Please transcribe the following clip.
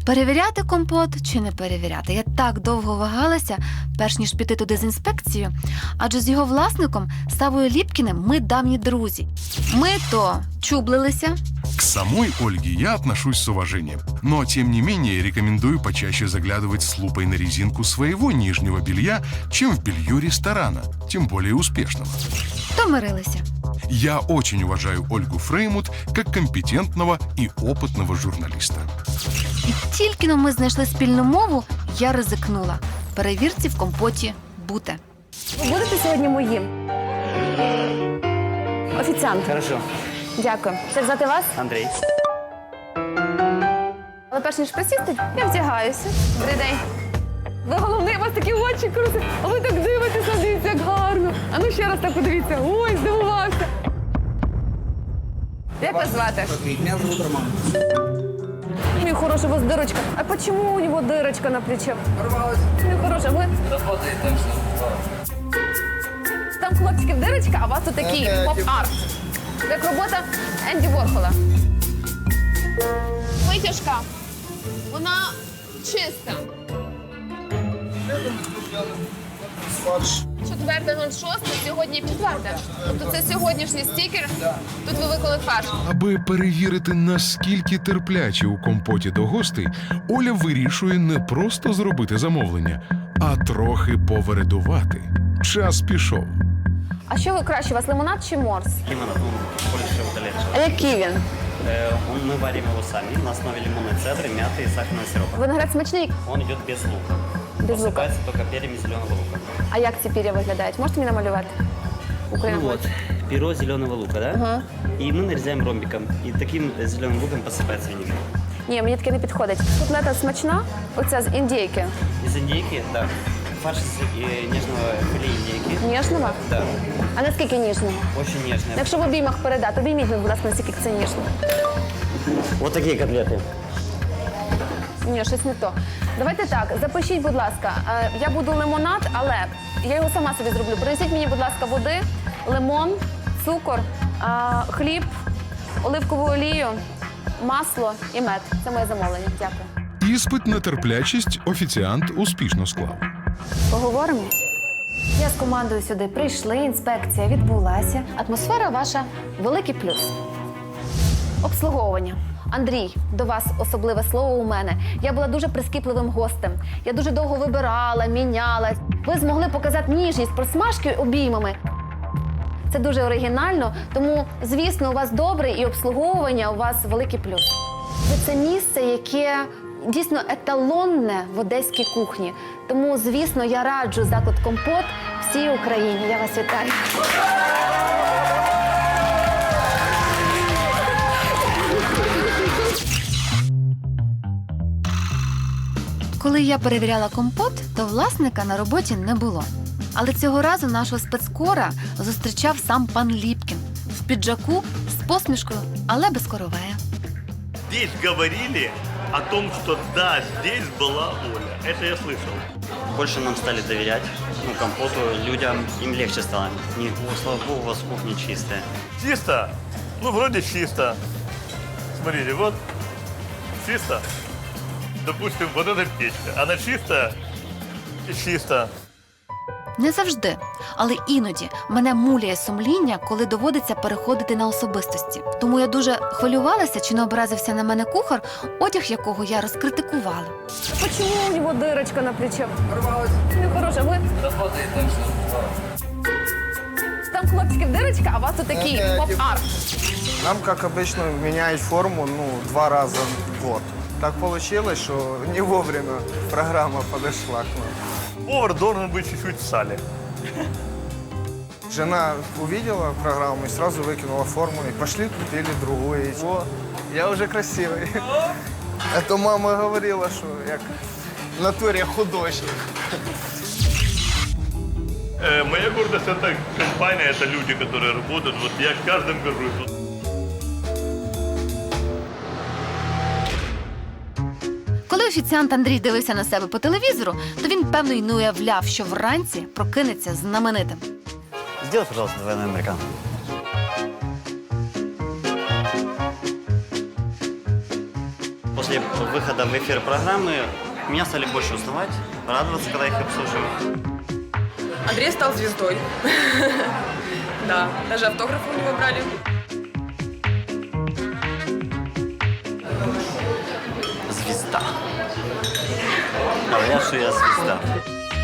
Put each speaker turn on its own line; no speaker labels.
Перевіряти компот чи не перевіряти? Я так довго вагалася, перш ніж піти туди з інспекцією, адже з його власником, Савою Ліпкіним, ми давні друзі. Ми то чублилися.
К самой Ольге я отношусь с уважением, но тем не менее рекомендую почаще заглядывать с лупой на резинку своего нижнего белья, чем в белье ресторана, тем более успешного.
То мирилися.
Я очень уважаю Ольгу Фреймут как компетентного и опытного журналиста.
І тільки-но ми знайшли спільну мову, я ризикнула. Перевірці в компоті бути.
Ви будете сьогодні моїм? Офіціант.
Хорошо.
Дякую. Як звати вас?
Андрей.
Але перш ніж присісти, я вдягаюся. Добрий день. Ви головний, у вас такі очі круті. А ви так дивитеся, дивіться, як гарно. А ну ще раз так подивіться. Ой, здивувався. Як вас звати?
Меня зовут Роман.
Мій хороший, у вас дирочка. А чому у нього дирочка на плече?
Порвалась.
Мій хороший, ви?
Работает там
Там хлопчиків дирочка, а у вас тут такий поп-арт. Як робота Енді Ворхола. Витяжка. Вона чиста. 4.06, сьогодні 4. Тобто це сьогоднішній стікер. Тут ви виклали фарш.
Аби перевірити, наскільки терплячі у компоті до гостей, Оля вирішує не просто зробити замовлення, а трохи повередувати. Час пішов.
А що ви краще, у вас лимонад чи морс?
Лимонад, он больше удаляет.
А який він?
Мы варим его сами на основе лимонной цедры, мяты и сахарного сиропа.
Виноград смачний,
Он идет без лука.
без лука.
Посыпается только перьями зеленого лука.
А як ці пір'я виглядають? Можете мені намалювати? Україна.
Ну вот, перо зеленого лука, да?
Ага.
И мы нарезаем ромбиком. И таким зеленым луком посыпается винегрет.
Ні, мені таке не підходить. Котлета смачна, оця з індійки.
Из индейки, да. Фарш из нежного филе индейки.
Ніжного?
Да.
А наскільки ніжного?
Очень нежное.
Якщо в обіймах передати, обійміть, будь ласка, наскільки це ніжно.
Вот такие котлеты.
Ні, щось не то. Давайте так, запишіть, будь ласка, я буду лимонад, але я його сама собі зроблю. Принесіть мені, будь ласка, води, лимон, цукор, хліб, оливкову олію, масло і мед. Це моє замовлення. Дякую.
Іспит на терплячість офіціант успішно склав.
Поговоримо? Я з командою сюди прийшли, інспекція відбулася. Атмосфера ваша – великий плюс. Обслуговування. Андрій, до вас особливе слово у мене. Я була дуже прискіпливим гостем. Я дуже довго вибирала, міняла. Ви змогли показати ніжність просмажки обіймами. Це дуже оригінально, тому, звісно, у вас добре і обслуговування у вас великий плюс. Це місце, яке дійсно еталонне в одеській кухні. Тому, звісно, я раджу заклад «Компот» всій Україні. Я вас вітаю.
Коли я перевіряла компот, то власника на роботі не було. Але цього разу нашого спецкора зустрічав сам пан Ліпкін. В піджаку, з посмішкою, але без коровея.
Здесь говорили о том, что да, здесь была Оля. Это я слышал.
Больше нам стали доверять, ну, компоту, людям, им легче стало. Не, слава богу, у вас кухня чистая.
Чисто? Ну, вроде чисто. Смотрите, вот чисто. Допустим, вот эта печка. Она чистая и чисто.
Не завжди, але іноді мене муляє сумління, коли доводиться переходити на особистості. Тому я дуже хвилювалася, чи не образився на мене кухар, одяг якого я розкритикувала.
А чому у нього дирочка на плече?
Порвалась.
Мій хороший, ви?
Работает там
Там хлопчиків дирочка, а у вас тут такий поп-арт.
Нам, как обычно, меняют форму 2 раза в год. Так получилось, что не вовремя программа подошла к нам.
Повар должен быть чуть-чуть в сале.
Жена увидела программу и сразу выкинула форму. И пошли, купили другую. И, о, я уже красивый. А то мама говорила, что я в натуре художник.
Моя гордость – это компания, это люди, которые работают. Вот я каждым горжусь.
Коли офіціант Андрій дивився на себе по телевізору, то він, певно, й не уявляв, що вранці прокинеться знаменитим.
Сделай, пожалуйста, двойной американо. После после выхода в эфир программы меня стали больше узнавать, радоваться, когда их обслуживаю.
Андрей стал звездой. Да, даже автографы у него брали.
Звезда. Говорят, что я звезда.